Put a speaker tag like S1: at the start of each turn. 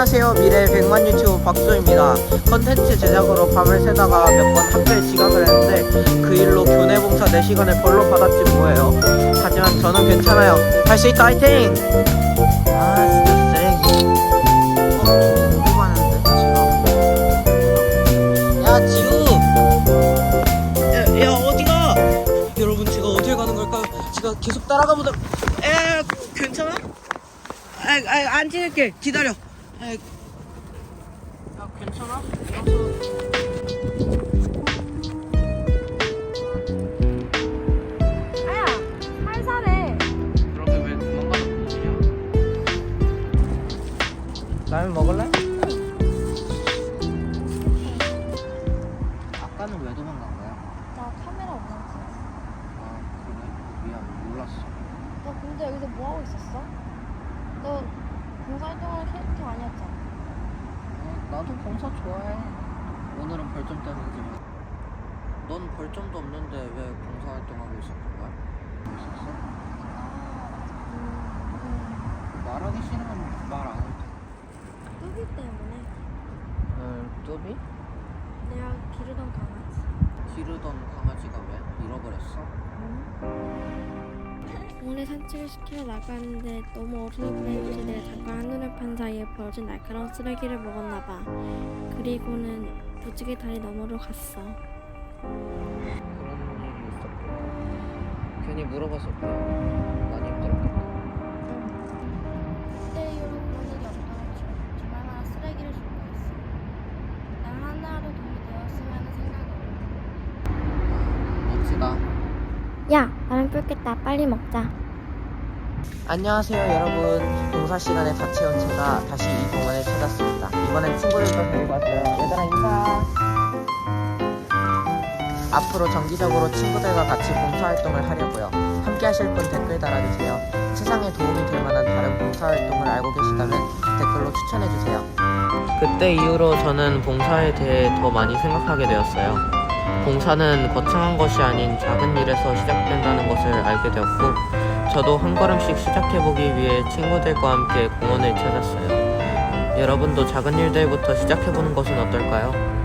S1: 안녕하세요. 미래의 100만 유튜브 박수입니다. 컨텐츠 제작으로 밤을 새다가 몇 번 학교에 지각을 했는데 그 일로 교내 봉사 4시간을 벌로 받았지 뭐예요. 하지만 저는 괜찮아요. 할 수 있다 화이팅! 아 진짜 쓰레기. 누구 가는데 지금? 야 지우! 야 어디가? 여러분 제가 어딜 가는 걸까요? 제가 계속 따라가보다 괜찮아? 안 찍을게. 기다려. 야, 괜찮아?
S2: 아야, 살살해.
S1: 그러게 왜 도망가서 그러냐? 라면 먹을래? 아까는 왜 도망간 거야?
S2: 나 카메라 없었지.
S1: 아 그래? 미안 몰랐어.
S2: 너 근데 여기서 뭐 하고 있었어? 너 봉사활동하는 캐릭터 아니었잖아.
S1: 나도 봉사 좋아해. 오늘은 벌점 때문이지만. 넌 벌점도 없는데 왜 봉사 활동하고 있었던 거야? 있었어? 말하기 싫으면 말 안 해도 돼.
S2: 뚜비 때문에
S1: 뚜비?
S2: 내가 기르던 강아지.
S1: 기르던 강아지가 왜? 잃어버렸어?
S2: 오늘 산책을 시키러 나갔는데 너무 어른이 보내주시대. 잠깐 한눈을 판 사이에 버려진 날카로운 쓰레기를 먹었나봐. 그리고는 무지개 다리 너머로 갔어.
S1: 그런 일이 있었구나. 괜히 물어봐서 미안. 많이 힘들었겠다.
S2: 그때 이후로 그런 일이 없도록 주말마다 쓰레기를 줄 거였어. 난 하나라도 도움이 되었으면 하는 생각으로.
S1: 멋지다.
S2: 야, 나랑 끓겠다. 빨리 먹자.
S1: 안녕하세요 여러분. 봉사 시간에 다 채운 제가 다시 이 공원을 찾았습니다. 이번엔 친구들도 데리고 왔어요. 얘들아 인사. 앞으로 정기적으로 친구들과 같이 봉사활동을 하려고요. 함께 하실 분 댓글 달아주세요. 세상에 도움이 될 만한 다른 봉사활동을 알고 계시다면 댓글로 추천해주세요. 그때 이후로 저는 봉사에 대해 더 많이 생각하게 되었어요. 봉사는 거창한 것이 아닌 작은 일에서 시작된다는 것을 알게 되었고 저도 한 걸음씩 시작해보기 위해 친구들과 함께 공원을 찾았어요. 여러분도 작은 일들부터 시작해보는 것은 어떨까요?